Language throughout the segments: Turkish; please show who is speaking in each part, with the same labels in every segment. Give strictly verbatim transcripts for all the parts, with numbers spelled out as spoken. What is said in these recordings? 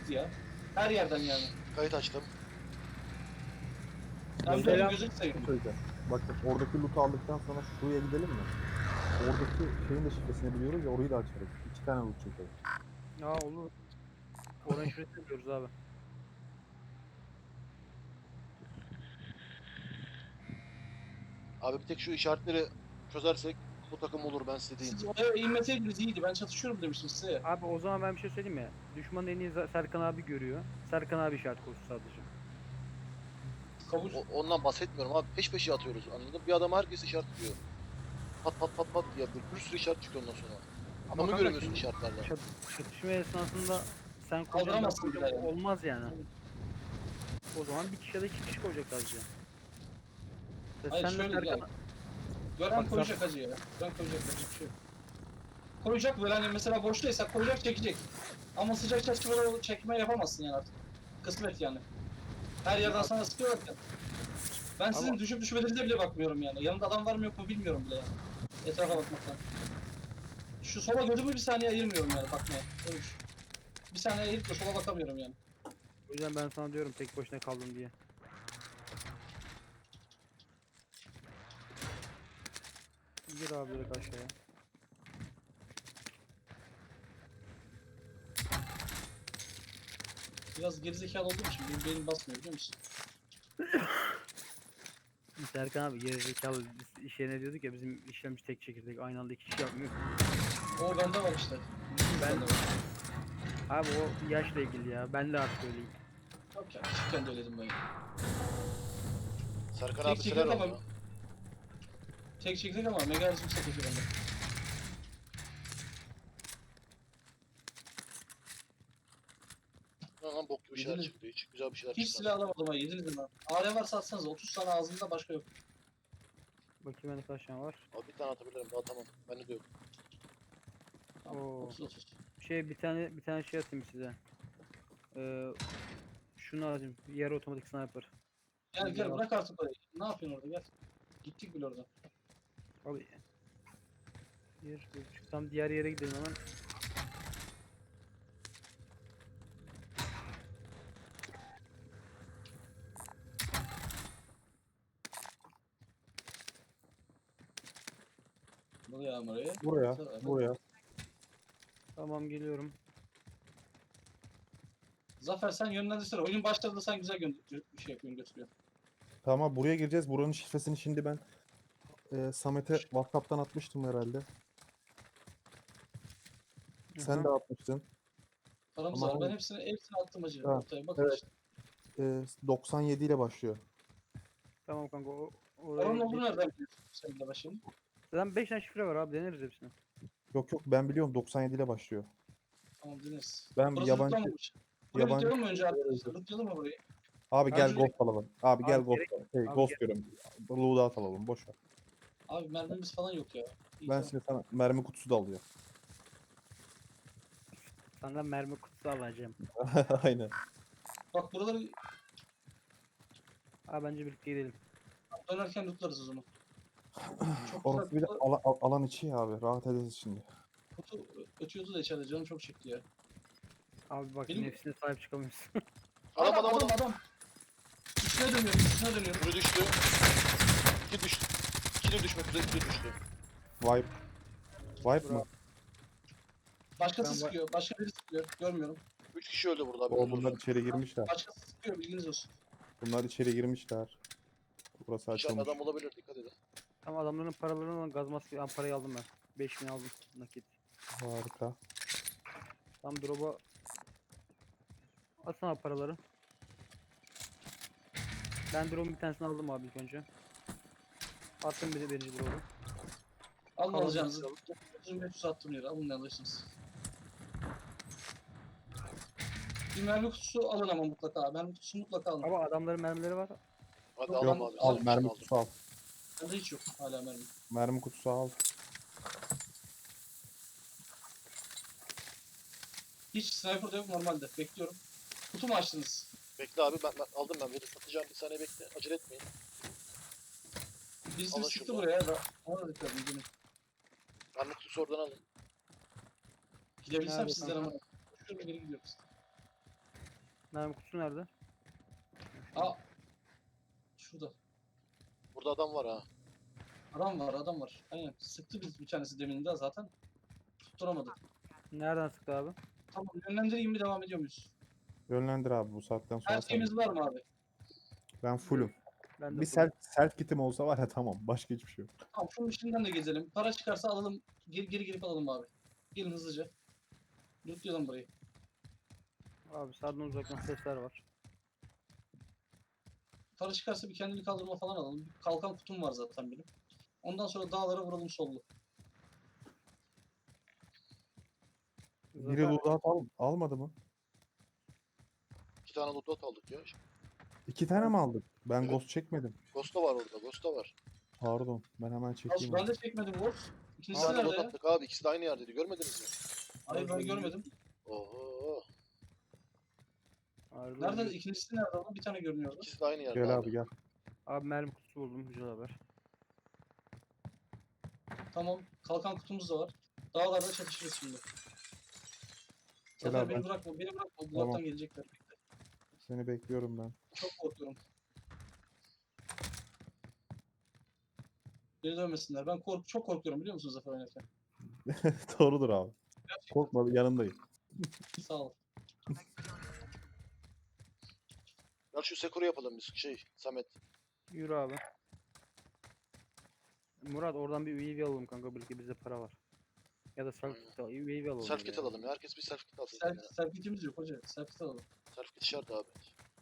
Speaker 1: ya. Her yerden yani.
Speaker 2: Kayıt açtım.
Speaker 1: Ben
Speaker 3: Mesela-
Speaker 1: de gözünü seveyim.
Speaker 3: Söyleyeceğim. Bak bak oradaki loot'u aldıktan sonra şuraya gidelim mi? Oradaki şeyin de şifresini biliyoruz ya orayı da açarız. İki tane loot çekeriz.
Speaker 4: Ya olur. Orange şifresini biliyoruz abi.
Speaker 2: Abi bir tek şu işaretleri çözersek bu takım olur, ben size diyeyim.
Speaker 1: Siz oraya inmeseydiniz iyiydi. Ben çatışıyorum demiştim size.
Speaker 4: Abi o zaman ben bir şey söyleyeyim mi? Düşmanın en iyi za- Serkan abi görüyor. Serkan abi işaret koysun sadece.
Speaker 1: Kabul.
Speaker 2: O, ondan bahsetmiyorum abi. Peş peşe atıyoruz, anladın? Bir adam herkes işaretliyor. Pat pat pat pat diye bir, bir sürü işaret çıkıyor ondan sonra. Adamı
Speaker 4: kanka
Speaker 2: göremiyorsun
Speaker 4: şimdi
Speaker 2: işaretlerden.
Speaker 4: Çat, çatışma esnasında sen koyacaksın ben
Speaker 1: Kaldıramazsın
Speaker 4: koyacağım,
Speaker 1: bile yani.
Speaker 4: olmaz yani. O zaman bir kişi ya da iki kişi koyacak sadece. Ve
Speaker 1: Hayır,
Speaker 4: sen de
Speaker 1: şöyle
Speaker 4: Serkan...
Speaker 1: yani. Gören
Speaker 4: Bak,
Speaker 1: koyacak hacı ya. Gören koyacak hacı bir şey yok. Koyacak böyle hani mesela boştaysa koyacak çekecek. Ama sıcak çatışmada çekme yapamazsın yani artık. Kısmet yani. Her yerden
Speaker 4: Ya-
Speaker 1: sana sıkıyorlar. Ben sizin
Speaker 4: Ama-
Speaker 1: düşüp düşmediğinize bile bakmıyorum yani. Yanımda adam var mı yok mu bilmiyorum bile yani. Etrafa bakmaktan. Şu sola gözümü bir saniye ayırmıyorum yani bakmaya. Öyle düşün. Bir saniye ayırıp da sola bakamıyorum yani.
Speaker 4: O yüzden ben sana diyorum tek başına kaldın diye. Gir abi direkt aşağıya.
Speaker 1: Biraz gerizekalı olduğum için benim beynim basmıyor biliyor musun?
Speaker 4: Serkan abi gerizekalı biz işe ne diyorduk ya bizim işlemci tek çekirdek aynı anda iki kişi yapmıyor.
Speaker 1: O bende var işte.
Speaker 4: Ben-
Speaker 1: Bende var.
Speaker 4: Abi o yaşla ilgili ya. Ben de artık öyleyim.
Speaker 1: Yok ya küçükken de öyleydim ben.
Speaker 2: Serkan
Speaker 1: Tek
Speaker 2: abi
Speaker 1: çekirdek
Speaker 2: siler
Speaker 1: ama-
Speaker 2: onu.
Speaker 1: Tek çekirdek ama mega hızlı yüksek çekiyor bende.
Speaker 2: Lan lan bok gibi şeyler
Speaker 1: Yediniz.
Speaker 2: çıktı hiç. Güzel bir şeyler
Speaker 1: Hiç
Speaker 2: çıktı.
Speaker 1: silah alamadım ha yediniz mi? A R varsa atsanız otuz tane ağzında başka yok.
Speaker 4: Bakayım bende kaç tane var.
Speaker 2: Abi bir tane atabilirim daha, tamam. Bende de yok.
Speaker 1: Tamam,
Speaker 4: Oo.
Speaker 1: otuz otuz.
Speaker 4: Şey bir tane bir tane şey atayım size. Ee, şunu atayım. Yarı otomatik sniper.
Speaker 1: Gel
Speaker 4: Güzel
Speaker 1: gel
Speaker 4: bak.
Speaker 1: bırak artık orayı. Ne yapıyorsun orada gel. Gittik bile orada.
Speaker 4: Abi. Bir, bir buçuk. Tam diğer yere gidelim hemen.
Speaker 1: Buraya oraya.
Speaker 3: Buraya,
Speaker 1: Sonra-
Speaker 3: buraya.
Speaker 4: Tamam geliyorum.
Speaker 1: Zafer sen yönlendirsene. Oyun başladığında sen güzel gö bir şey yapıyorsun götürüyor.
Speaker 3: Tamam buraya gireceğiz. Buranın şifresini şimdi ben e, Samet'e WhatsApp'tan atmıştım herhalde. Sen de
Speaker 4: Aha.
Speaker 3: atmıştın.
Speaker 1: Paramız
Speaker 3: Ama
Speaker 1: var. Ben
Speaker 3: hayır.
Speaker 1: hepsini hepsini attım hacı.
Speaker 3: Ha,
Speaker 1: Ortaya bakın
Speaker 3: evet.
Speaker 1: işte.
Speaker 3: E, doksan yedi ile başlıyor.
Speaker 4: Tamam kanka o,
Speaker 1: Paranın
Speaker 4: oraya
Speaker 1: olduğunu
Speaker 4: geç.
Speaker 1: nereden biliyorsun? Senin de başlayalım.
Speaker 4: Zaten beş tane şifre var abi deneriz hepsini.
Speaker 3: Yok yok ben biliyorum doksan yedi ile başlıyor.
Speaker 1: Tamam dinleriz.
Speaker 3: Ben
Speaker 1: Burası
Speaker 3: yabancı
Speaker 1: rutlanmamış. Burayı
Speaker 3: yabancı
Speaker 1: rutlayalım mı önce arkadaşlar? Rutlayalım mı burayı?
Speaker 3: Abi gel
Speaker 1: Bence-
Speaker 3: ghost alalım. Abi gel
Speaker 4: Abi
Speaker 3: ghost.
Speaker 4: gerek-
Speaker 3: Şey,
Speaker 4: abi
Speaker 3: ghost
Speaker 4: gerek-
Speaker 3: diyorum. Loadout alalım boş ver.
Speaker 1: Abi mermimiz falan yok ya. İyi,
Speaker 3: Ben
Speaker 1: tamam.
Speaker 3: şimdi sana mermi kutusu da alıyorum.
Speaker 4: Senden mermi kutusu alacağım.
Speaker 3: Aynen.
Speaker 1: Bak buraları
Speaker 4: Abi bence birlikte gidelim.
Speaker 1: dönerken lootlarız o zaman. Çok
Speaker 3: Orası bir de
Speaker 1: güzel.
Speaker 3: ala- al- alan içi ya abi. Rahat ederiz şimdi.
Speaker 1: Kutu ötüyordu da içeride canım çok çekti ya.
Speaker 4: Abi bak
Speaker 1: Benim-
Speaker 4: nefsine sahip çıkamıyorsun.
Speaker 2: Adam
Speaker 1: Adam
Speaker 2: adam
Speaker 1: adam
Speaker 2: adam.
Speaker 1: adam. Üstüne dönüyorum üstüne dönüyorum.
Speaker 2: Biri düştü. İki düştü. İki de düşmek üzere, iki de düştü.
Speaker 3: Vibe. Vibe mı?
Speaker 4: Bravo.
Speaker 1: Başkası
Speaker 4: Ben ba-
Speaker 1: sıkıyor. Başka biri sıkıyor. Görmüyorum.
Speaker 2: Üç kişi öldü burada abi.
Speaker 3: O bunlar içeri girmişler.
Speaker 1: Başkası sıkıyor bilginiz olsun.
Speaker 3: Bunlar içeri girmişler. Burası
Speaker 2: İçeride
Speaker 3: açılmış.
Speaker 2: adam olabilir, dikkat edin.
Speaker 4: Tam adamların paralarını gaz maske ben parayı aldım ben. beş bin aldım nakit.
Speaker 3: Harika.
Speaker 4: Tam drop'a atsana paraları. Ben drop'un bir tanesini aldım abi ilk önce. Attım bir de birinci drop'u.
Speaker 1: Alın
Speaker 4: Kalan
Speaker 1: alacağınızı.
Speaker 4: bir-
Speaker 1: dokuz yüz beş yüz attım yere. Alın ne alırsınız. Bir mermi kutusu alın ama mutlaka. Mermi kutusu mutlaka alın.
Speaker 4: Ama adamların mermileri var.
Speaker 2: Hadi
Speaker 1: Yok,
Speaker 2: al
Speaker 1: ben-
Speaker 2: abi.
Speaker 3: Al
Speaker 2: Al,
Speaker 3: mermi
Speaker 2: aldım.
Speaker 3: kutusu al.
Speaker 1: Bende hiç yok hala mermi.
Speaker 3: Mermi kutusu al.
Speaker 1: Hiç sniper da yok normalde. Bekliyorum. Kutu mu açtınız?
Speaker 2: Bekle abi, ben, ben aldım ben. Biri satacağım, bir saniye bekle. Acele etmeyin.
Speaker 1: Birisi
Speaker 2: Alın
Speaker 1: sıktı
Speaker 2: şuradan.
Speaker 1: buraya da. Ona da dikkat edin. Gelin.
Speaker 2: Ben de kutusu oradan alın.
Speaker 1: Gidebilsem
Speaker 4: Nerede
Speaker 1: sizden
Speaker 4: kanka?
Speaker 1: ama. Şurada geri gidiyoruz.
Speaker 4: Mermi kutusu nerede?
Speaker 1: Aa. Şurada.
Speaker 2: Burada adam var ha.
Speaker 1: Adam var adam var. Aynen. Sıktı biz bir tanesi demin de zaten. Tutturamadık.
Speaker 4: Nereden sıktı abi?
Speaker 1: Tamam yönlendireyim mi devam ediyor muyuz?
Speaker 3: Yönlendir abi bu saatten sonra
Speaker 1: Her
Speaker 3: sen.
Speaker 1: şeyimiz var mı abi?
Speaker 3: Ben fullüm.
Speaker 4: Ben de
Speaker 3: Bir self, self kitim olsa var ya tamam. Başka hiçbir şey yok.
Speaker 1: Tamam şunun içinden de gezelim. Para çıkarsa alalım. Geri, geri gelip alalım abi. Gelin hızlıca. Lootlayalım burayı.
Speaker 4: Abi sağdan uzaktan sesler var.
Speaker 1: Para çıkarsa bir kendini kaldırma falan alalım. Bir kalkan kutum var zaten benim. Ondan sonra dağlara vuralım sollu.
Speaker 3: Biri
Speaker 4: Zafer,
Speaker 3: loadout al, almadı mı?
Speaker 2: İki tane loot aldık ya.
Speaker 3: İki tane mi aldık? Ben
Speaker 2: Evet.
Speaker 3: ghost çekmedim.
Speaker 2: Ghost da var orada. Ghost da var.
Speaker 3: Pardon. Ben hemen
Speaker 1: Al,
Speaker 3: çekeyim.
Speaker 1: ben de çekmedim Wolf.
Speaker 2: İki
Speaker 1: İkincisi
Speaker 2: tane
Speaker 1: nerede
Speaker 2: loot
Speaker 1: ya?
Speaker 2: attık abi. İkisi de aynı yerdeydi. Görmediniz mi?
Speaker 1: Hayır ben görmedim.
Speaker 2: Oho.
Speaker 4: Arada
Speaker 1: Nerede?
Speaker 4: bir-
Speaker 1: İkincisi nerede ama bir tane görünüyordu.
Speaker 2: İkisi de aynı yerde
Speaker 3: Gel
Speaker 2: abi.
Speaker 3: abi gel.
Speaker 4: Abi mermi kutusu buldum. Güzel haber.
Speaker 1: Tamam. Kalkan kutumuz da var. Dağlarda çatışırız şimdi.
Speaker 3: Gel
Speaker 1: Zafer
Speaker 3: abi,
Speaker 1: beni
Speaker 3: ben-
Speaker 1: bırakma. Beni bırakma. Bloktan
Speaker 3: Tamam.
Speaker 1: gelecekler.
Speaker 3: Seni bekliyorum ben.
Speaker 1: Çok korkuyorum. Geri dönmesinler. Ben kork çok korkuyorum biliyor musun Zafer oynarken?
Speaker 3: Doğrudur abi.
Speaker 1: Gerçekten.
Speaker 3: Korkma yanındayım.
Speaker 1: Sağ ol.
Speaker 2: Gel şu Sekuru yapalım biz. Şey Samet.
Speaker 4: Yürü abi. Murat oradan bir U A V alalım kanka. Belki bizde para var. Ya da self kit al. U A V alalım.
Speaker 2: Self kit
Speaker 4: ya.
Speaker 2: alalım ya. Herkes bir self kit alsın.
Speaker 1: Self,
Speaker 2: ya.
Speaker 1: selfie'imiz yok hoca. Selfie alalım.
Speaker 2: Self kit şart abi.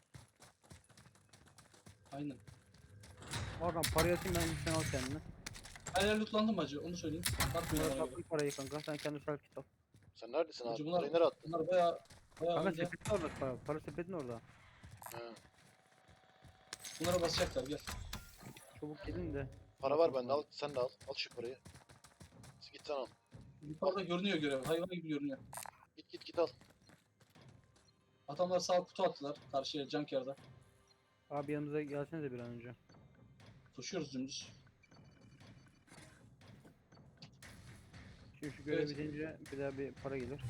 Speaker 1: Aynen.
Speaker 4: Hakan parayı atayım ben sen al kendine.
Speaker 1: Her yer lootlandı mı hacı? Onu söyleyeyim. Bakmıyorlar
Speaker 4: Murat
Speaker 1: bana.
Speaker 4: attım parayı kanka. Sen kendi self kit al.
Speaker 2: Sen neredesin
Speaker 1: Hacı
Speaker 2: abi?
Speaker 1: bunlar,
Speaker 2: Parayı nereye attın?
Speaker 1: bunlar baya baya
Speaker 4: Kanka
Speaker 1: önce.
Speaker 4: sepetin orada para. Para sepetin orada.
Speaker 2: He.
Speaker 1: Bunlara basacaklar gel.
Speaker 4: Çabuk gelin de.
Speaker 2: Para var bende. Al, sen de al. Al şu parayı. Git sen al.
Speaker 1: Yukarıda görünüyor görev. Hayvan gibi görünüyor.
Speaker 2: Git git git al.
Speaker 1: Adamlar sağ kutu attılar. Karşıya junkyard'a.
Speaker 4: Abi yanımıza gelsene de bir an önce.
Speaker 1: Koşuyoruz dümdüz.
Speaker 4: Şimdi şu görev
Speaker 1: Evet.
Speaker 4: bitince bir daha bir para gelir.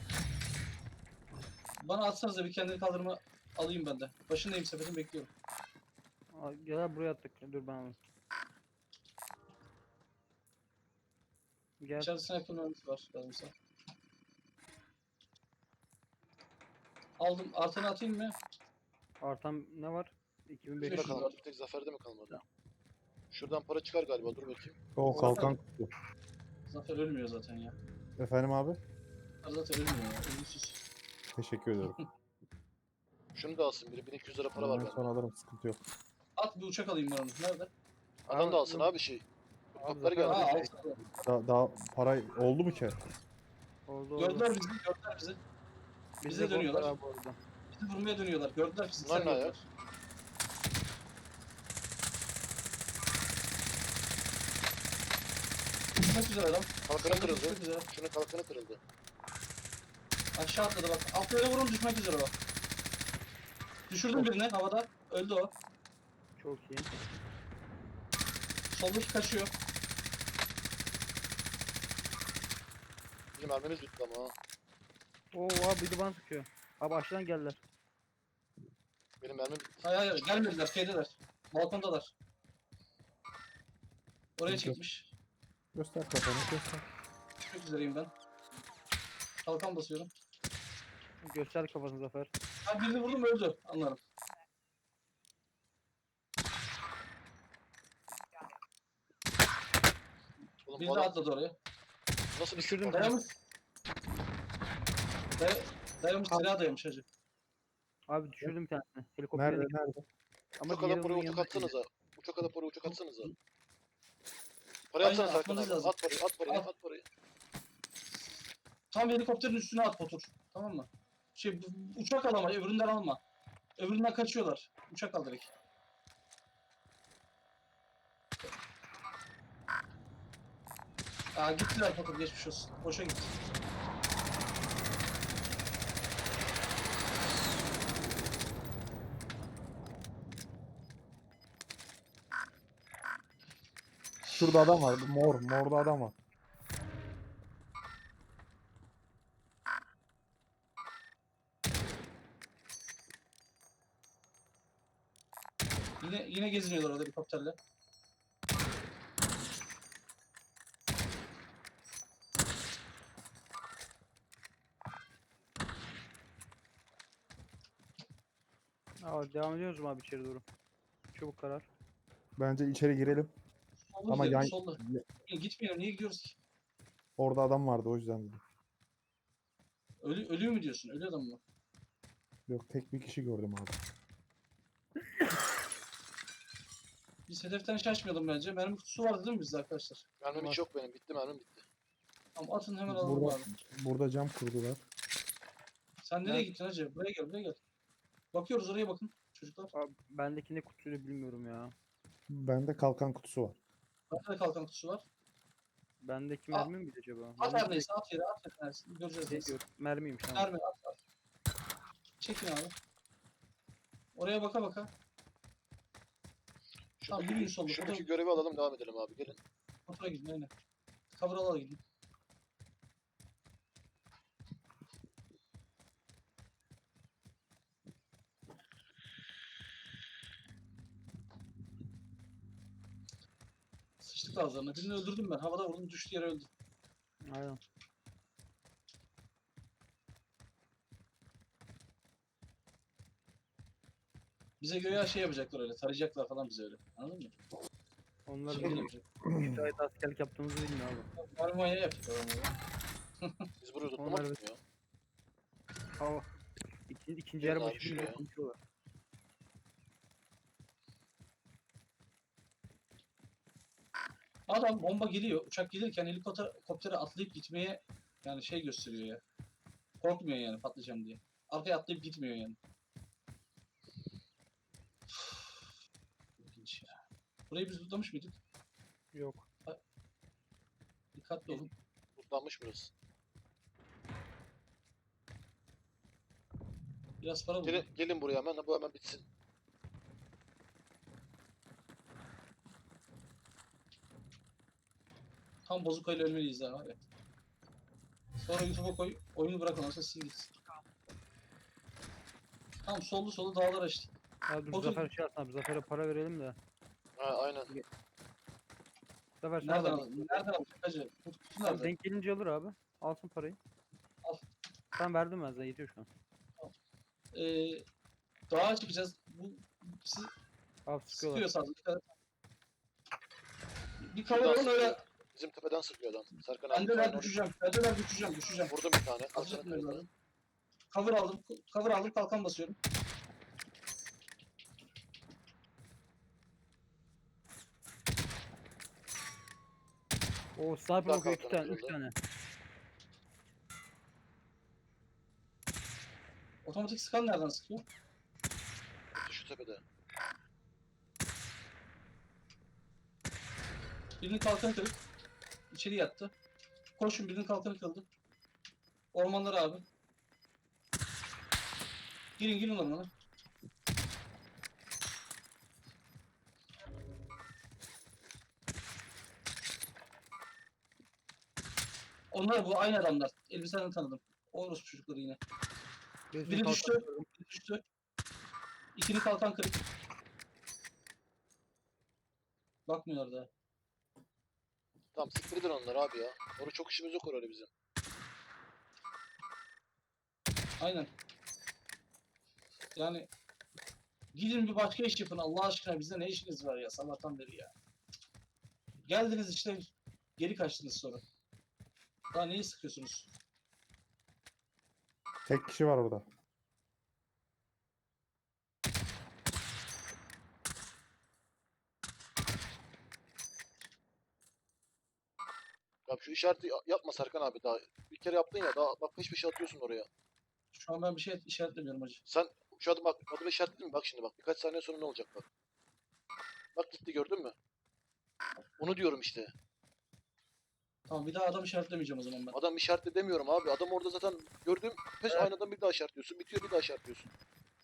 Speaker 1: Bana atsanıza bir kendini kaldırma alayım ben de. Başındayım sepetin bekliyorum.
Speaker 4: Aa, gel abi buraya attık. Dur ben alayım. Gel.
Speaker 1: İçeride sniper mermisi var lazımsa. Aldım. Artanı atayım mı?
Speaker 4: Artan ne var? iki bin beş
Speaker 2: Kimde
Speaker 1: Beş
Speaker 4: yüz.
Speaker 1: yüz
Speaker 2: kalmadı? Bir tek Zafer'de mi kalmadı? Şuradan para çıkar galiba. Dur bakayım.
Speaker 3: O kalkan kutu.
Speaker 1: Zafer ölmüyor zaten ya.
Speaker 3: Efendim abi?
Speaker 1: Zafer ölmüyor ya. Ölümsüz.
Speaker 3: Teşekkür ederim.
Speaker 2: Şunu da alsın biri. bin iki yüz lira para var
Speaker 3: Ben
Speaker 2: bende.
Speaker 3: sonra alırım sıkıntı yok.
Speaker 1: At bir uçak alayım ben onu. Nerede?
Speaker 2: Adam
Speaker 4: Abi,
Speaker 2: da alsın
Speaker 4: yok.
Speaker 2: abi şey.
Speaker 4: Abi
Speaker 2: Patları
Speaker 4: Zafer
Speaker 1: Ha
Speaker 2: geldi.
Speaker 4: abi,
Speaker 1: alsana.
Speaker 3: Daha, daha para oldu mu ki?
Speaker 4: Oldu oldu.
Speaker 1: Gördüler bizi. Gördüler bizi.
Speaker 4: Bizde
Speaker 1: bize
Speaker 4: gold
Speaker 1: dönüyorlar.
Speaker 4: var abi orada.
Speaker 1: Bizi vurmaya dönüyorlar. Gördüler bizi.
Speaker 2: Bunlar ne ya?
Speaker 1: gördüler. Düşmek üzere adam.
Speaker 2: Kalkanı kırıldı.
Speaker 1: Düşmek üzere.
Speaker 2: Şunun kalkanı kırıldı.
Speaker 1: Aşağı atladı bak. Atlayana vurun düşmek üzere bak. Düşürdüm birini havada. Öldü o.
Speaker 4: Çok iyi.
Speaker 1: Soldaki kaçıyor.
Speaker 2: Bizim mermimiz bitti ama ha.
Speaker 4: Oo abi bir de bana sıkıyor. Abi aşağıdan geldiler.
Speaker 2: Benim mermim bitti.
Speaker 1: Hayır hayır gelmediler. Şeydeler. Balkondalar. Oraya
Speaker 3: Yok.
Speaker 1: çekmiş.
Speaker 3: Göster kafanı göster.
Speaker 1: Düşmek üzereyim ben. Kalkan basıyorum.
Speaker 4: Göster kafasını Zafer.
Speaker 1: Ha birini vurdum öldü. Anlarım.
Speaker 2: Oğlum
Speaker 1: Biri
Speaker 2: bu
Speaker 1: de
Speaker 2: adam
Speaker 1: atladı oraya.
Speaker 2: nasıl bir
Speaker 4: Düşürdüm.
Speaker 2: spor?
Speaker 1: Dayamış. Day dayamış silah dayamış hacı.
Speaker 4: Abi düşürdüm bir tanesini. Helikoptere
Speaker 3: Nerede
Speaker 4: gitti.
Speaker 3: nerede?
Speaker 4: Ama
Speaker 2: Uçak alıp
Speaker 4: diğeri
Speaker 2: buraya
Speaker 4: onun
Speaker 2: uçak
Speaker 4: yanına gitti.
Speaker 2: atsanıza. Uçak alıp buraya uçak atsanıza. Parayı
Speaker 1: Aynen,
Speaker 2: atsana Serkan
Speaker 1: atmanız
Speaker 2: abi.
Speaker 1: lazım.
Speaker 2: At parayı at parayı
Speaker 1: At.
Speaker 2: at parayı.
Speaker 1: Tam helikopterin üstüne at otur. Tamam mı? Şey bu- uçak al ama öbüründen alma. Öbüründen kaçıyorlar. Uçak al direkt. Aa gittiler Fatur geçmiş olsun. Boşa gitti.
Speaker 3: Şurada adam var. Mor. Morda adam var.
Speaker 1: Yine yine geziniyorlar orada helikopterle.
Speaker 4: Aa, devam ediyoruz mu abi içeri doğru? Çabuk karar.
Speaker 3: Bence içeri girelim.
Speaker 1: Solda
Speaker 3: Ama
Speaker 1: gidelim,
Speaker 3: yan,
Speaker 1: solda. Gitmeyelim, niye gidiyoruz ki?
Speaker 3: orada adam vardı o yüzden dedim.
Speaker 1: Ölü, ölüyor mu diyorsun? Ölü adam mı?
Speaker 3: Yok, tek bir kişi gördüm abi.
Speaker 1: Biz hedeften şaşmayalım bence. Mermi kutusu vardı değil mi bizde arkadaşlar?
Speaker 2: Mermim hiç yok benim. Bitti mermim bitti.
Speaker 1: Tamam atın hemen alalım
Speaker 3: Burada,
Speaker 1: abi.
Speaker 3: burada cam kurdular.
Speaker 1: Sen nereye
Speaker 4: Ben-
Speaker 1: gittin hacı? Buraya gel, buraya gel. Bakıyoruz oraya bakın çocuklar.
Speaker 4: Abi, bendeki ne kutuydu bilmiyorum ya.
Speaker 3: Bende kalkan kutusu var.
Speaker 1: Bende de kalkan kutusu var.
Speaker 4: Bendeki
Speaker 1: Aa,
Speaker 4: mermi miydi acaba?
Speaker 1: At
Speaker 4: Bendeki
Speaker 1: her neyse, at yere, at yere. Neyse. Göreceğiz
Speaker 4: şey
Speaker 1: neyse.
Speaker 4: diyor, mermiymiş tamam.
Speaker 1: Mermi at, at. Çekin abi. Oraya baka baka. Tamam,
Speaker 2: Şuradaki,
Speaker 1: yürüyün solda.
Speaker 2: şuradaki
Speaker 1: Foto-
Speaker 2: görevi alalım devam edelim abi. Gelin.
Speaker 1: Motora gidin aynen. Cover ala gidin. Sıçtık ağızlarına. Birini öldürdüm ben. Havada vurdum, düştü yere öldü.
Speaker 4: Aynen.
Speaker 1: Bize göğe şey yapacaklar öyle. Tarayacaklar falan bize öyle. Anladın mı?
Speaker 4: Onlar
Speaker 1: Şey
Speaker 4: bizim
Speaker 1: yapacak.
Speaker 4: üç ayda askerlik yaptığımızı bilmiyor abi.
Speaker 1: Mermi manyağı yapacaklar onu.
Speaker 2: Biz burayı
Speaker 4: Onlar
Speaker 2: tutmamak
Speaker 4: evet.
Speaker 2: mı ya?
Speaker 4: Hava. İkinci, ikinci
Speaker 2: Gelin
Speaker 4: yer
Speaker 2: abi
Speaker 4: başı bile
Speaker 2: şuraya.
Speaker 4: konuşuyorlar.
Speaker 1: Adam bomba geliyor. Uçak gelirken helikopter helikoptere atlayıp gitmeye yani şey gösteriyor ya. Korkmuyor yani patlayacağım diye. Arkaya atlayıp gitmiyor yani. İlginç ya. Burayı biz tutlamış mıydık?
Speaker 4: Yok.
Speaker 1: Dikkatli olun.
Speaker 2: Tutlanmış burası.
Speaker 1: Biraz para bulun.
Speaker 2: Gelin, gelin buraya hemen. Bu hemen bitsin.
Speaker 1: Tam bozukayla ölmeliyiz ha. Evet. Sonra YouTube'a koy. Oyunu bırak ondan sonra sil gitsin. Tam soldu soldu dağlar açtı.
Speaker 4: Abi dur
Speaker 1: Otur.
Speaker 4: Zafer şey yapsana abi. Zafer'e para verelim de.
Speaker 2: Ha aynen.
Speaker 4: Zafer sana
Speaker 1: Nereden
Speaker 4: da
Speaker 1: aldın? Nereden aldın? Hacı? Bu kutu
Speaker 4: Tamam,
Speaker 1: nerede?
Speaker 4: denk gelince alır abi. Alsın parayı.
Speaker 1: Al.
Speaker 4: Tamam verdim ben sana yetiyor şu an.
Speaker 1: Ee, dağa çıkacağız. Bu siz
Speaker 4: Abi sıkıyorlar.
Speaker 1: sıkıyor sadece. Dikkat et. Bir
Speaker 2: Şuradan
Speaker 1: kavralım öyle.
Speaker 2: sıkıyor. Bizim tepeden sıkıyor adam. Serkan abi.
Speaker 1: Bendeler
Speaker 2: aynen.
Speaker 1: düşeceğim. Bendeler düşeceğim. Düşeceğim.
Speaker 2: Vurdum bir tane.
Speaker 1: Hazır
Speaker 2: Kalkanı
Speaker 1: etmemiz
Speaker 2: kırdı.
Speaker 1: lazım. Cover aldım. Cover aldım. Kalkan basıyorum.
Speaker 4: O sniper
Speaker 2: Daha
Speaker 4: bakıyor iki
Speaker 2: kalkanı
Speaker 4: tane, üç
Speaker 2: kırıldı.
Speaker 4: tane.
Speaker 1: Otomatik scan nereden sıkıyor?
Speaker 2: Şu tepede.
Speaker 1: Birinin kalkanı kırık. İçeri yattı. Koşun, birinin kalkanı kırıldı. Ormanlara abi. Girin girin ormana. Onlar bu aynı adamlar. Elbiseden tanıdım. Orospu çocukları yine.
Speaker 4: Birisinin
Speaker 1: Biri
Speaker 4: kalkanı
Speaker 1: düştü.
Speaker 4: kırdım.
Speaker 1: Biri düştü. İkini kalkan kırık. Bakmıyorlar daha.
Speaker 2: Tamam siktir edin onları abi ya. Orada çok işimiz yok orada bizim.
Speaker 1: Aynen. Yani gidin bir başka iş yapın Allah aşkına, bizde ne işiniz var ya sabahtan beri ya. Geldiniz işte geri kaçtınız sonra. Daha neyi sıkıyorsunuz?
Speaker 3: Tek kişi var orada.
Speaker 2: Ya şu işareti ya- yapma Serkan abi daha. Bir kere yaptın ya daha bak hiçbir şey atıyorsun oraya.
Speaker 1: Şu an ben bir şey işaretlemiyorum hacı.
Speaker 2: Sen şu adım bak adımı işaretledin mi? Bak şimdi bak birkaç saniye sonra ne olacak bak. Bak gitti gördün mü? Onu diyorum işte.
Speaker 1: Tamam, bir daha adam işaretlemeyeceğim o zaman ben.
Speaker 2: Adam işaretle demiyorum abi. Adam orada zaten gördüğüm pes
Speaker 1: Evet.
Speaker 2: aynı adam bir daha işaretliyorsun. Bitiyor bir daha işaretliyorsun.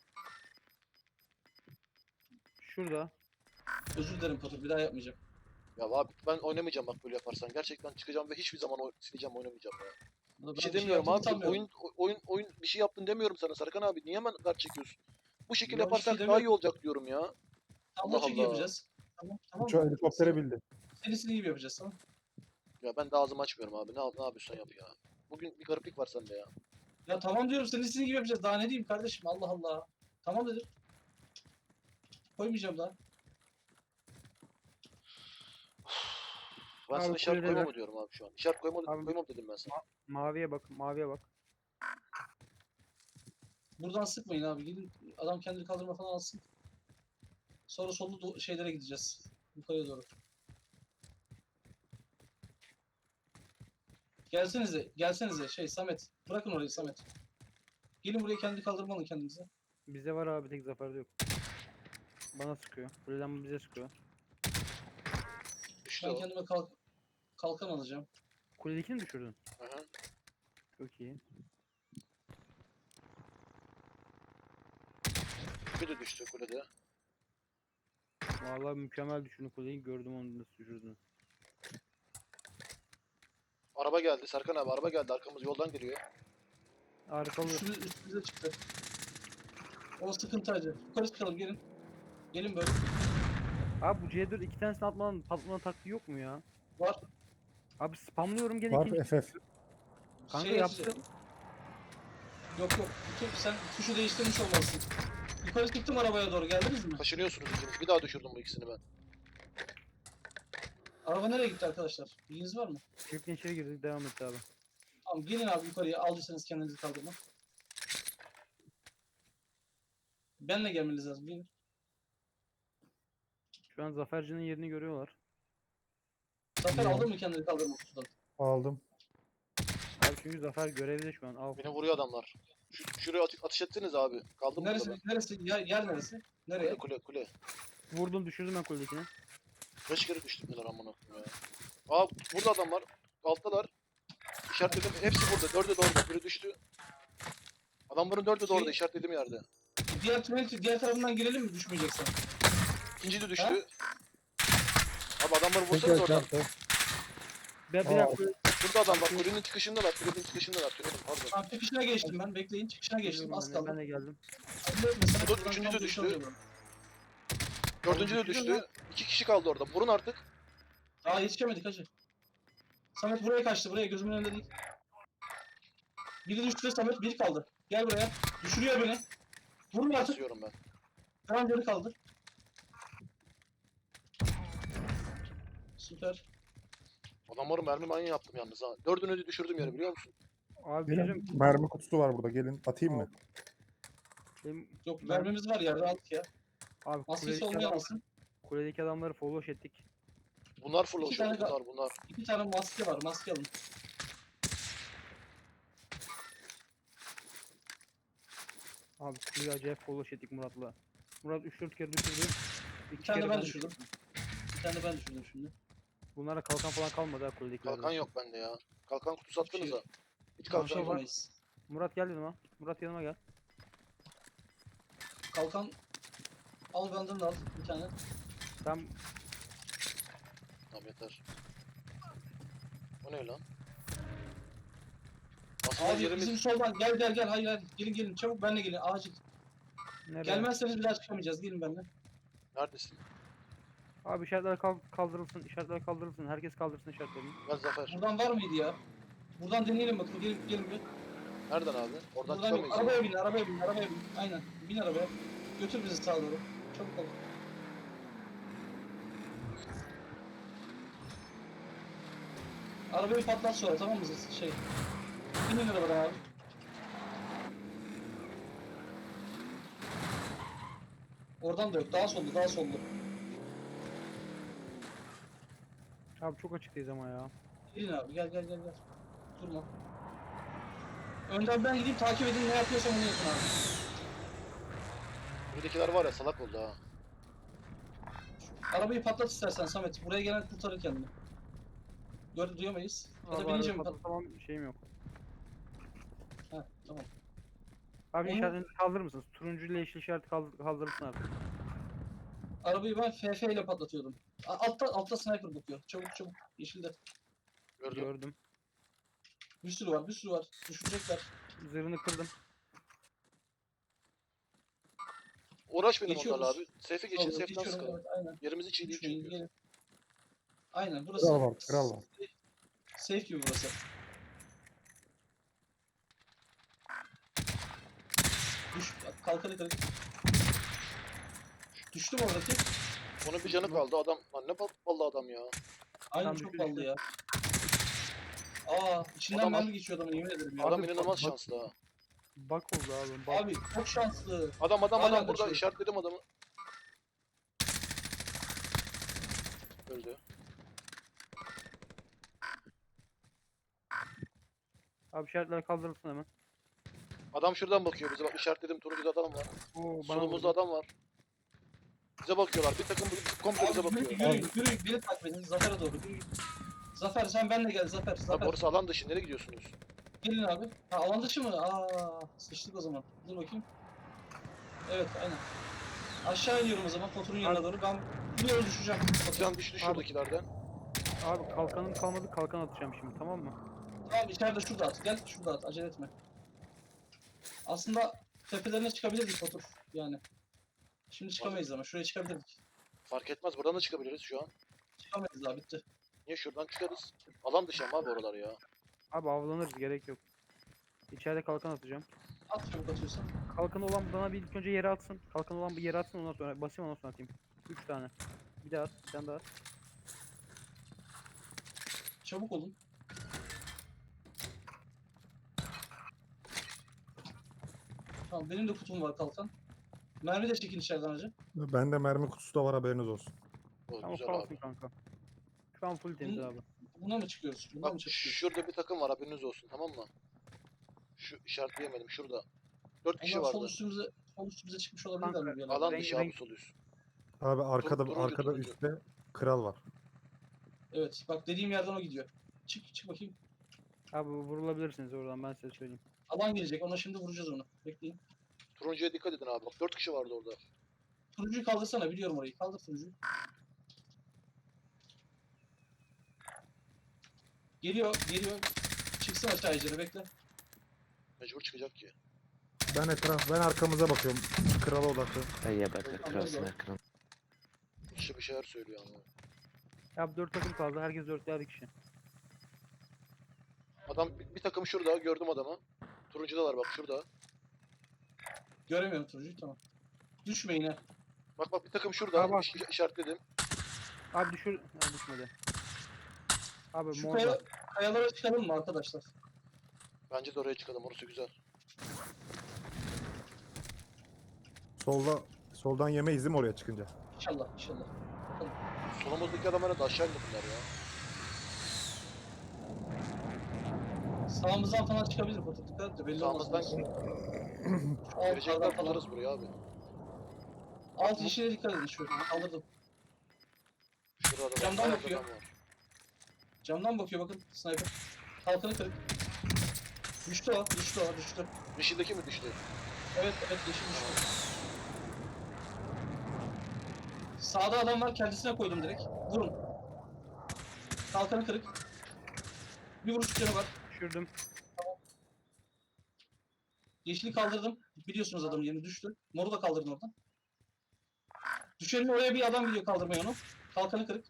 Speaker 4: Şurada.
Speaker 1: Özür dilerim Patur, bir daha yapmayacağım.
Speaker 2: Ya abi ben oynamayacağım bak böyle yaparsan. Gerçekten çıkacağım ve hiçbir zaman oy- sileceğim oynamayacağım ya.
Speaker 1: Burada
Speaker 2: Bir
Speaker 1: ben
Speaker 2: şey demiyorum
Speaker 1: yaptığımı
Speaker 2: abi.
Speaker 1: sanmıyorum.
Speaker 2: Oyun oyun oyun bir şey yaptın demiyorum sana Serkan abi. Niye hemen kart çekiyorsun? Bu şekilde
Speaker 1: Ya bir şey
Speaker 2: yaparsak daha
Speaker 1: demiyorum.
Speaker 2: iyi olacak diyorum ya.
Speaker 1: Tam
Speaker 2: Allah
Speaker 1: maçı gibi
Speaker 2: Allah.
Speaker 1: yapacağız. Tamam tamam
Speaker 3: Uçağı
Speaker 1: mı?
Speaker 3: helikoptere bildi.
Speaker 1: Serisini gibi yapacağız tamam.
Speaker 2: Ya ben de ağzımı açmıyorum abi. Ne, ne yapıyorsan yap ya. Bugün bir gariplik var sende ya.
Speaker 1: Ya tamam diyorum serisini gibi yapacağız. Daha ne diyeyim kardeşim Allah Allah. Tamam dedim. Koymayacağım daha.
Speaker 2: Ben
Speaker 4: Abi
Speaker 2: sana işaret
Speaker 4: kuledeler.
Speaker 2: koyma mı diyorum abi şu an. İşaret koyma,
Speaker 4: Abi-
Speaker 2: koymam dedim ben sana.
Speaker 4: Maviye bak, maviye bak.
Speaker 1: Buradan sıkmayın abi. Gidin adam kendini kaldırma falan alsın. Sonra sollu do- şeylere gideceğiz. Yukarıya doğru. Gelsenize, gelsenize şey Samet. Bırakın orayı Samet. Gelin buraya kendi kaldırmalı kendinize.
Speaker 4: Bizde var abi, tek zaferde yok. Bana sıkıyor. Kuleden bize sıkıyor.
Speaker 2: Düştü
Speaker 1: Ben
Speaker 2: o.
Speaker 1: kendime kalk kalkan alacağım.
Speaker 4: Kuledekini mi düşürdün?
Speaker 2: Aha.
Speaker 4: Çok iyi.
Speaker 2: Bir de düştü kulede.
Speaker 4: Vallahi mükemmel düşürdün kuleyi. Gördüm onu nasıl düşürdüğünü.
Speaker 2: Araba geldi Serkan abi, araba geldi, arkamız yoldan geliyor.
Speaker 4: Arkalı.
Speaker 1: Üstümüz, üstümüze çıktı. O sıkıntı acı. Yukarı çıkalım gelin. Gelin böyle.
Speaker 4: Abi bu C dört iki tanesini atmadan patlama taktiği yok mu ya?
Speaker 1: Var.
Speaker 4: Abi spamlıyorum gene
Speaker 3: Var
Speaker 4: ikinci.
Speaker 3: F F.
Speaker 4: Kanka
Speaker 1: Şey
Speaker 4: yaptım.
Speaker 1: açacağım. Yok yok. Tut, sen tuşu değiştirmiş olmalısın. Yukarı çıktım arabaya doğru. Geldiniz mi?
Speaker 2: Taşınıyorsunuz ikiniz. Bir daha düşürdüm bu ikisini ben.
Speaker 1: Araba nereye gitti arkadaşlar? Bilginiz var mı?
Speaker 4: Çiftliğin içeri girdik, devam et abi.
Speaker 1: Tamam gelin abi yukarıya. Aldıysanız kendinizi kaldırma. Benle gelmeniz lazım. Gelin.
Speaker 4: Şu an Zaferci'nin yerini görüyorlar.
Speaker 1: Zafer
Speaker 3: Ne?
Speaker 1: aldın mı kendini kaldırma kutudan?
Speaker 3: Aldım.
Speaker 4: Abi çünkü Zafer görevde şu an. Al.
Speaker 2: Beni vuruyor adamlar. Şu, şuraya atış, atış ettiniz abi. Kaldım burada
Speaker 1: Neresi?
Speaker 2: ben.
Speaker 1: Neresi? Yer, yer neresi? Nereye?
Speaker 2: Kule kule kule.
Speaker 4: Vurdum, düşürdüm ben kuledekini.
Speaker 2: Beş kere düştüm neler amına koyayım ya. Aa burada adam var. Alttalar. İşaretledim. Hepsi burada. Dördü de orada. Biri düştü. Adamların dördü de orada.
Speaker 1: Şey-
Speaker 2: İşaretlediğim yerde.
Speaker 1: Diğer tünel, diğer tarafından girelim mi düşmeyeceksen?
Speaker 2: İkinci de düştü.
Speaker 1: Ha?
Speaker 2: Abi adamları
Speaker 3: Tek
Speaker 2: vursanız oradan.
Speaker 3: yaşantı.
Speaker 4: Ben bir
Speaker 3: Aa.
Speaker 4: dakika.
Speaker 2: Şurada adam bak. Kulenin çıkışındalar. Kulenin çıkışındalar. Tünelin pardon.
Speaker 1: Tamam çıkışına geçtim ben. Bekleyin çıkışına geçtim. Az
Speaker 4: Ben,
Speaker 1: kaldı.
Speaker 4: ben de geldim.
Speaker 1: Acele etme, sana
Speaker 2: Bu da
Speaker 1: buradan
Speaker 2: üçüncü de
Speaker 1: tam
Speaker 2: düştü.
Speaker 1: dönüş alıyorum.
Speaker 2: Dördüncü de
Speaker 1: düşürdün
Speaker 2: düştü.
Speaker 1: lan.
Speaker 2: İki kişi kaldı orada. Vurun artık.
Speaker 1: Daha yetişemedik hacı. Samet buraya kaçtı. Buraya gözümün önünde değil. Biri düştü Samet. Bir kaldı. Gel buraya. Düşürüyor beni. Vurun artık.
Speaker 2: Basıyorum ben.
Speaker 1: Tamam geri kaldı. Süper.
Speaker 2: Adamların mermi manyağı yaptım yalnız ha. Dördünü de düşürdüm yere biliyor musun?
Speaker 4: Abi bir şey söyleyeyim.
Speaker 3: Gelin. Mermi kutusu var burada. Gelin. Atayım mı?
Speaker 4: Benim,
Speaker 1: Yok
Speaker 4: Ben-
Speaker 1: mermimiz var ya. Rahat ya.
Speaker 4: abi
Speaker 1: Maskesi
Speaker 4: kuledeki,
Speaker 1: olmayan
Speaker 4: adam,
Speaker 1: alsın.
Speaker 4: kuledeki adamları follow ettik.
Speaker 2: Bunlar full
Speaker 1: İki
Speaker 2: oluşuyor.
Speaker 1: tane
Speaker 2: Bunlar bunlar.
Speaker 1: İki tane maske var. Maske alın.
Speaker 4: Abi kuleyi acayip follow ettik Murat'la. Murat üç dört kere düşürdü. İki
Speaker 1: Bir tane
Speaker 4: kere
Speaker 1: ben
Speaker 4: ben
Speaker 1: düşürdüm. Bir tane ben düşürdüm şimdi.
Speaker 4: Bunlara kalkan falan kalmadı ha kuledekilerde.
Speaker 2: Kalkan yok bende ya. Kalkan kutusu attınız ha. Hiç
Speaker 1: Bir
Speaker 2: kalkan
Speaker 1: şey
Speaker 2: yok.
Speaker 1: yapamayız.
Speaker 4: Murat gel yanıma. Murat yanıma gel.
Speaker 1: Kalkan al benden de al bir tane.
Speaker 4: Tam
Speaker 2: Tamam yeter. O ne lan? Aslında
Speaker 1: Abi
Speaker 2: yerimiz...
Speaker 1: bizim soldan gel gel gel hayır hayır gelin gelin çabuk benle gelin acil.
Speaker 4: nereye?
Speaker 1: Gelmezseniz bir daha çıkamayacağız gelin benimle.
Speaker 2: Neredesin?
Speaker 4: Abi işaretler kal- kaldırılsın. İşaretler kaldırılsın. Herkes kaldırsın işaretlerini.
Speaker 2: Gel Zafer.
Speaker 1: Buradan var mıydı ya? Buradan deneyelim bakın gelin gelin bir.
Speaker 2: Nereden abi? Oradan
Speaker 1: Buradan yok.
Speaker 2: çıkamayız.
Speaker 1: Arabaya bin arabaya bin arabaya bin. Aynen bin arabaya. Götür bizi sağa doğru. Çabuk ol. Arabayı patlat sonra tamam mı şey? Binin arabadan abi. Oradan da yok. Daha sollu, daha sollu.
Speaker 4: Abi çok açıktayız ama ya.
Speaker 1: Gelin abi, gel gel gel gel. Durma. Önden ben gideyim takip edin ne yapıyorsam onu yapın abi.
Speaker 2: Buradakiler var ya salak oldu ha.
Speaker 1: Arabayı patlat istersen Samet. Buraya gelen kurtarır kendini. Gör duyamayız. Ya da
Speaker 4: Abi
Speaker 1: binince
Speaker 4: arada
Speaker 1: mi pat?
Speaker 4: patlatamam, şeyim yok.
Speaker 1: Heh, tamam.
Speaker 4: Abi
Speaker 1: Onu-
Speaker 4: işaretini kaldırır mısınız? Turuncu ile yeşil işareti kaldır kaldırırsın abi.
Speaker 1: Arabayı ben F F ile patlatıyordum. A- Altta altta sniper bakıyor. Çabuk çabuk. Yeşilde.
Speaker 2: Gördüm.
Speaker 4: Gördüm.
Speaker 1: Bir sürü var, bir sürü var. Düşürecekler.
Speaker 4: Zırhını kırdım.
Speaker 2: Uğraşmayalım
Speaker 1: Geçiyoruz.
Speaker 2: onlarla abi. Safe'e geçin,
Speaker 1: Olur,
Speaker 2: safe'den
Speaker 1: geçiyorum,
Speaker 2: sıkalım.
Speaker 1: evet, aynen.
Speaker 2: Yerimiz hiç iyi değil
Speaker 1: Düşmeyin,
Speaker 2: çünkü.
Speaker 1: gelin. Aynen burası.
Speaker 3: Kral var, kral var.
Speaker 1: Safe, safe gibi burası. Düş, kalkanı kırık. Düştü mü oradaki?
Speaker 2: Onun bir canı kaldı adam. Lan ne bal- ballı adam ya.
Speaker 1: Aynen
Speaker 4: Tam
Speaker 1: çok
Speaker 4: düştü,
Speaker 1: ballı
Speaker 4: düştü.
Speaker 1: ya. Aa içinden
Speaker 2: Adam-
Speaker 1: mermi geçiyor adamın yemin ederim ya.
Speaker 2: Adam
Speaker 4: Abi,
Speaker 2: inanılmaz
Speaker 4: bak-
Speaker 2: şanslı ha.
Speaker 4: Bak oldu abi. Bak.
Speaker 1: Abi çok şanslı.
Speaker 2: Adam adam
Speaker 1: Hala
Speaker 2: adam burada
Speaker 1: kaçıyor.
Speaker 2: işaretledim adamı. Öldü.
Speaker 4: Abi işaretler kaldırılsın hemen.
Speaker 2: Adam şuradan bakıyor bize bak işaretledim turuncuda adam var.
Speaker 4: Oo, bana
Speaker 2: Solumuzda
Speaker 4: vurdu.
Speaker 2: adam var. Bize bakıyorlar. Bir takım komple bize
Speaker 1: Abi yürü,
Speaker 2: bakıyor.
Speaker 1: yürüyün, yürüyün. Beni takip edin. Zafer'e doğru. Yürüyün. Zafer sen benle gel Zafer.
Speaker 2: Abi
Speaker 1: Zafer.
Speaker 2: orası alan dışı. Nereye gidiyorsunuz?
Speaker 1: Gelin abi. Ha alan dışı mı? Aa sıçtık o zaman. Dur bakayım. Evet aynen. Aşağı iniyorum o zaman Potur'un yanına
Speaker 4: Abi-
Speaker 1: doğru. Ben biliyorum düşeceğim. Potur.
Speaker 2: Can düştü şuradakilerden.
Speaker 4: Abi kalkanım kalmadı, kalkan atacağım şimdi, tamam mı?
Speaker 1: Tamam içeride şurada at. Gel şurada at. Acele etme. Aslında tepelerine çıkabilirdik Potur. Yani. Şimdi çıkamayız ama şuraya çıkabilirdik.
Speaker 2: Fark etmez. Buradan da çıkabiliriz şu an.
Speaker 1: Çıkamayız daha bitti.
Speaker 2: Niye şuradan çıkarız? Alan dışı ama abi oralar ya.
Speaker 4: Abi avlanırız, gerek yok. İçeride kalkan atacağım.
Speaker 1: At çabuk atıyorsan.
Speaker 4: Kalkan olan bana bir ilk önce yere atsın. Kalkan olan bir yere atsın, ondan sonra basayım, ondan sonra atayım. Üç tane. Bir daha at, bir tane daha at.
Speaker 1: Çabuk olun. Tamam benim de kutum var kalkan. Mermi de çekin içeriden hacı.
Speaker 3: Bende mermi kutusu da var, haberiniz olsun.
Speaker 2: O
Speaker 4: Tamam,
Speaker 2: güzel
Speaker 4: kalsın
Speaker 2: abi.
Speaker 4: kanka. Şu an full temiz abi.
Speaker 1: Buna mı çıkıyoruz? Buna
Speaker 2: Bak
Speaker 1: mı çıkıyoruz?
Speaker 2: şurada bir takım var haberiniz olsun tamam mı? Şu işaretleyemedim şurada. Dört kişi
Speaker 1: Onlar sol
Speaker 2: vardı.
Speaker 1: üstümüze, sol üstümüze çıkmış olabilirler
Speaker 4: Kanka,
Speaker 1: mi bir yerlerden?
Speaker 2: Alan
Speaker 4: renk-
Speaker 2: dışı abi
Speaker 4: renk-
Speaker 2: sol üst.
Speaker 3: Abi arkada
Speaker 2: turuncu,
Speaker 3: arkada
Speaker 2: turuncu.
Speaker 3: üstte kral var.
Speaker 1: Evet bak dediğim yerden o gidiyor. Çık çık bakayım.
Speaker 4: Abi vurulabilirsiniz oradan, ben size söyleyeyim.
Speaker 1: Alan gelecek ona şimdi vuracağız onu. Bekleyin.
Speaker 2: Turuncuya dikkat edin abi bak dört kişi vardı orada.
Speaker 1: Turuncuyu kaldırsana biliyorum orayı. Kaldır turuncuyu. Geliyor geliyor. Çıksın aşağı icra bekle.
Speaker 2: Mecbur çıkacak ki.
Speaker 3: Ben etraf ben arkamıza bakıyorum. Krala odaklı.
Speaker 5: Да я бы
Speaker 1: Tamam,
Speaker 5: красный
Speaker 1: tamam.
Speaker 5: экран.
Speaker 2: Kişi bir şeyler söylüyor ama.
Speaker 4: Abi dört takım kaldı, herkes dörtlü kişi.
Speaker 2: Adam bir, bir takım şurada gördüm adamı. Turuncudalar bak şurada.
Speaker 1: Göremiyorum turuncuyu tamam. Düşme yine.
Speaker 2: Bak bak bir takım şurada
Speaker 4: Aa, bak.
Speaker 2: iş- işaretledim.
Speaker 4: Abi düşür... Ha, düşmedi. Abi
Speaker 1: Şu
Speaker 4: morda.
Speaker 1: kaya, kayalara çıkalım mı arkadaşlar?
Speaker 2: Bence de oraya çıkalım orası güzel.
Speaker 3: Solda soldan yemeyiz değil mi oraya çıkınca?
Speaker 1: İnşallah inşallah.
Speaker 2: Solumuzdaki adamlara da aşağı indirdiler ya.
Speaker 1: Sağımızdan falan çıkabilir Potur. Dikkat et de belli olmaz.
Speaker 2: Sağımızdan
Speaker 1: Şu altlardan
Speaker 2: girecekler
Speaker 1: falan.
Speaker 2: tutarız buraya abi.
Speaker 1: Alt yeşile dikkat edin şu. Kaldırdım.
Speaker 2: Şurada da
Speaker 1: Camdan
Speaker 2: bayağı
Speaker 1: bakıyor.
Speaker 2: adam var.
Speaker 1: Camdan bakıyor bakın sniper. Kalkanı kırık. Düştü o, düştü o, düştü.
Speaker 2: Yeşildeki mi düştü?
Speaker 1: Evet, evet yeşil düştü. Sağda adam var, kendisine koydum direkt. Vurun. Kalkanı kırık. Bir vuruş canı var.
Speaker 4: Düşürdüm.
Speaker 1: Yeşili kaldırdım. Biliyorsunuz adamın yerini düştü. Moru da kaldırın oradan. Düşenin oraya bir adam gidiyor kaldırmaya onu. Kalkanı kırık.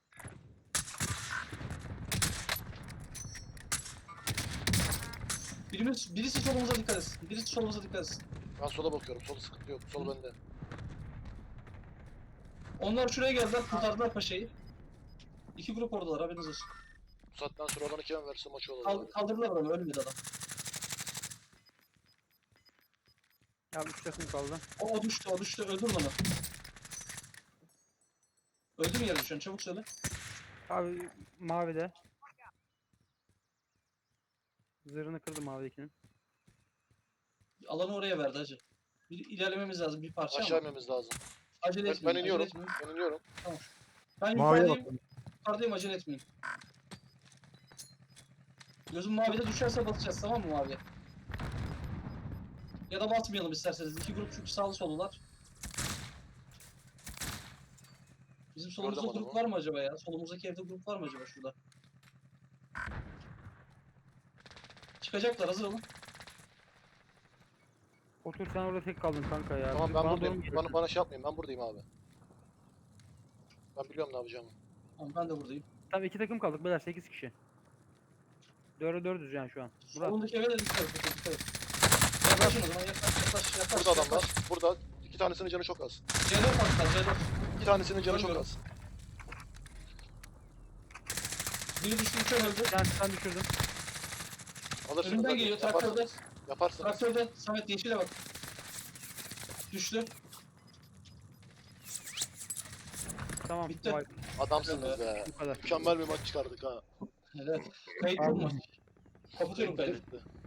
Speaker 1: Birimiz, birisi solumuza dikkat etsin. Birisi solumuza dikkat etsin.
Speaker 2: Ben sola bakıyorum. Sol sıkıntı yok. Sol bende.
Speaker 1: Onlar şuraya geldiler, kurtardılar paşayı. İki grup oradalar, haberiniz olsun.
Speaker 2: Bu saatten sonra bana kime verse maçı olur
Speaker 1: Kal-
Speaker 2: abi.
Speaker 1: kaldırdılar adamı, ölmedi adam.
Speaker 4: Abi üç takım kaldı.
Speaker 1: O, o düştü, o düştü, öldür onu. Öldü mü yere düşen, çabuk söyle.
Speaker 4: Abi mavide. Zırhını kırdım mavidekinin.
Speaker 1: Alanı oraya verdi hacı. Bir ilerlememiz lazım bir parça
Speaker 2: Aşağı
Speaker 1: ama.
Speaker 2: inmemiz lazım.
Speaker 1: Acele
Speaker 2: Ben,
Speaker 1: etmeyin,
Speaker 2: ben
Speaker 1: acele
Speaker 2: iniyorum.
Speaker 1: etmeyin.
Speaker 2: Ben iniyorum.
Speaker 1: Ben
Speaker 3: Maviye
Speaker 1: yukarıdayım,
Speaker 3: bakın.
Speaker 1: yukarıdayım, acele etmeyin. Gözüm mavide düşerse basacağız, tamam mı maviye? Ya da basmayalım isterseniz. İki grup çünkü sağlı solular. Bizim solumuzda
Speaker 2: Gördüm
Speaker 1: grup
Speaker 2: adamı.
Speaker 1: var mı acaba ya? Solumuzdaki evde grup var mı acaba şurada? Çıkacaklar, hazır olun.
Speaker 4: Otur sen orada tek kaldın kanka ya.
Speaker 2: Tamam ben
Speaker 4: Bana doğru mu
Speaker 2: buradayım. Bana,
Speaker 4: geliyorsun?
Speaker 2: bana şey yapmayın. Ben buradayım abi. Ben biliyorum ne yapacağımı.
Speaker 1: Tamam ben de buradayım.
Speaker 4: Tamam iki takım kaldık beyler sekiz kişi. Dördü dördüz yani şu an. Murat.
Speaker 1: Solundaki eve de dikkat et. Dikkat et. Yaklaşın o zaman yaklaş yaklaş yaklaş.
Speaker 2: Burada adam
Speaker 1: yaklaş.
Speaker 2: var. Burada iki tanesinin canı çok az.
Speaker 1: C dört attılar C dört.
Speaker 2: İki tanesinin canı çok
Speaker 1: Görmüyorum.
Speaker 2: az.
Speaker 1: Biri düştü üçe öldü.
Speaker 4: Bir tanesi ben düşürdüm.
Speaker 2: Alırsınız.
Speaker 1: Önünden
Speaker 2: hadi.
Speaker 1: geliyor traktörde.
Speaker 2: Yaparsınız. Yaparsınız.
Speaker 1: Traktörde. Samet yeşile bak. Düştü.
Speaker 4: Tamam.
Speaker 1: Bitti.
Speaker 4: Vay,
Speaker 2: Adamsınız be.
Speaker 4: bu kadar.
Speaker 2: Mükemmel bir maç çıkardık ha.
Speaker 1: Evet. Kayıtlı mı? Kapatıyorum kaydı.
Speaker 2: Bitti, bitti.